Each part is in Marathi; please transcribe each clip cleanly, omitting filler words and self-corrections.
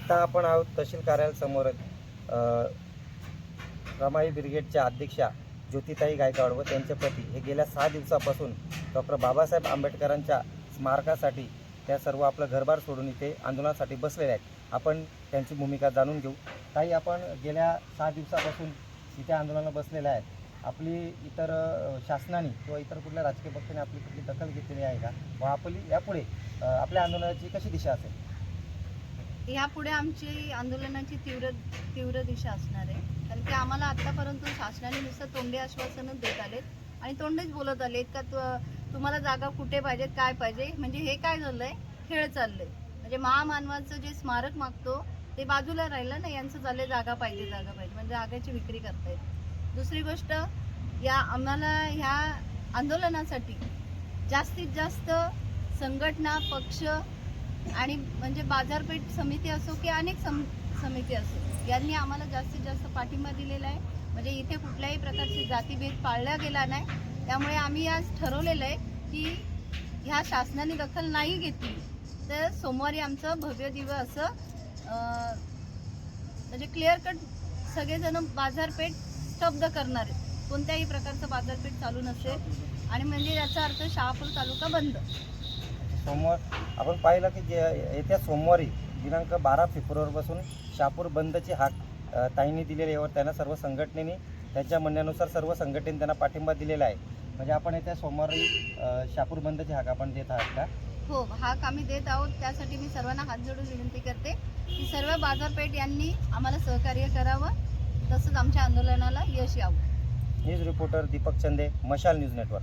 आता आपण आहोत तहसील कार्यालयासमोर रमाई ब्रिगेडच्या अध्यक्षा ज्योतिताई गायकवाड व त्यांचे पती हे गेल्या 6 दिवसापासून डॉक्टर बाबासाहेब आंबेडकरांच्या स्मारकासाठी त्या सर्व आपलं घरबार सोडून इथे आंदोलनासाठी बसलेले आहेत। आपण त्यांची भूमिका जाणून घेऊ। ताई, आपण गेल्या 6 दिवसापासून इथे आंदोलनाला बसलेले आहेत। आपली इतर शासनाने किंवा इतर कुठल्या राजकीय पक्षाने आपली कुठली दखल घेतलेली आहे का व आपली यापुढे आपल्या आंदोलनाची कशी दिशा असेल? यापुढे आमची आंदोलनाची तीव्र दिशा असणार आहे, कारण की आम्हाला आतापर्यंत शासनाने नुसतं तोंडी आश्वासनच देत आलेत आणि तोंडीच बोलत आलेत का तुम्हाला जागा कुठे पाहिजे, काय पाहिजे। म्हणजे हे काय झालंय, खेळ चाललंय। म्हणजे महामानवाचं जे स्मारक मागतो ते बाजूला राहिलं ना, यांचं झालंय जागा पाहिजे म्हणजे जागेची विक्री करतायत। दुसरी गोष्ट, आम्हाला ह्या आंदोलनासाठी जास्तीत जास्त संघटना, पक्ष आणि म्हणजे बाजारपेठ समिती असो की अनेक समिती असो, यांनी आम्हाला जास्तीत जास्त पाठिंबा दिलेला आहे। म्हणजे इथे कुठल्याही प्रकारची जातीभेद पाळला गेला नाही। त्यामुळे आम्ही आज ठरवलेलं आहे की ह्या शासनाने दखल नाही घेतली तर सोमवारी आमचं भव्य दिव्य असं म्हणजे क्लिअर कट सगळेजण बाजारपेठ स्तब्ध करणार आहेत। कोणत्याही प्रकारचं बाजारपेठ चालू नसेल आणि म्हणजे याचा अर्थ शहापूर तालुका बंद। सोमवार आपण पाहिलं की येत्या सोमवारी दिनांक 12 फेब्रुवारीपासून शहापूर बंदची हाक ताईंनी दिलेली आहे व त्यांना सर्व संघटनेने त्यांच्या म्हणण्यानुसार सर्व संघटनेने त्यांना पाठिंबा दिलेला आहे। म्हणजे आपण येत्या सोमवारी शहापूर बंदची हाक आपण देत आहात का? हो, हाक आम्ही देत आहोत। त्यासाठी मी सर्वांना हात जोडून विनंती करते की सर्व बाजारपेठ यांनी आम्हाला सहकार्य करावं, तसंच आमच्या आंदोलनाला यश यावं। न्यूज रिपोर्टर दीपक चंदे, मशाल न्यूज नेटवर्क।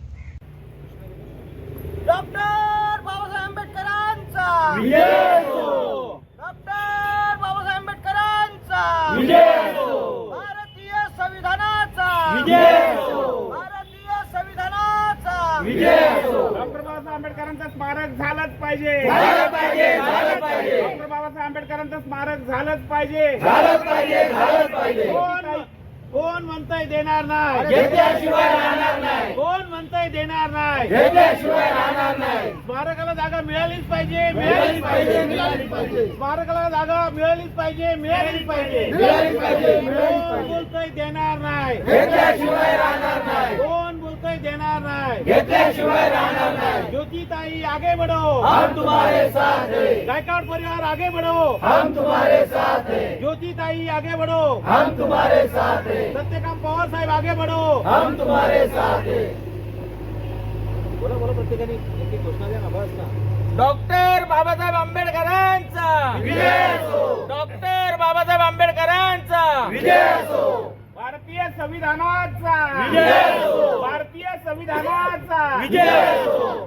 डॉक्टर बाबासाहेब आंबेडकरांचा विजय हो। डॉक्टर बाबासाहेब आंबेडकरांचा विजय हो। भारतीय संविधानाचा विजय हो। भारतीय संविधानाचा विजय हो। डॉक्टर बाबासाहेब आंबेडकरांचं स्मारक झालंच पाहिजे, झालं पाहिजे, झालं पाहिजे। डॉक्टर बाबासाहेब आंबेडकरांचं स्मारक झालंच पाहिजे, झालं पाहिजे, झालं पाहिजे। कोण म्हणतंय देणार नाही, घेतल्याशिवाय राहणार नाही। कोण म्हणतंय देणार नाही, घेतल्याशिवाय राहणार नाही। स्मारकाला जागा मिळालीच पाहिजे, मिळालीच पाहिजे, मिळालीच पाहिजे। स्मारकाला जागा मिळालीच पाहिजे, मिळालीच पाहिजे, मिळालीच पाहिजे, मिळालीच कोण पाहिजे। बोलतंय देणार नाही, घेतल्याशिवाय राहणार नाही। कोण बोलतंय देणार नाही, घेतल्याशिवाय राहणार नाही। ज्योतिताई आगे बढ़ो, हम तुम्हारे साथ हैं। गायकवाड परिवार आगे बढ़ो, हम तुम्हारे साथ हैं। ज्योतिताई आगे बढ़ो, हम तुम्हारे साथ हैं। सत्यकाम पवार साहेब आगे बढ़ो, हम तुम्हारे साथ हैं। बोला बोला, प्रत्येकाने एक घोषणा द्या ना, बस ना। डॉक्टर बाबासाहेब आंबेडकरांचा विजय असो। डॉक्टर बाबासाहेब आंबेडकरांचा विजय असो। भारतीय संविधानाचा विजय असो। भारतीय संविधानाचा विजय असो।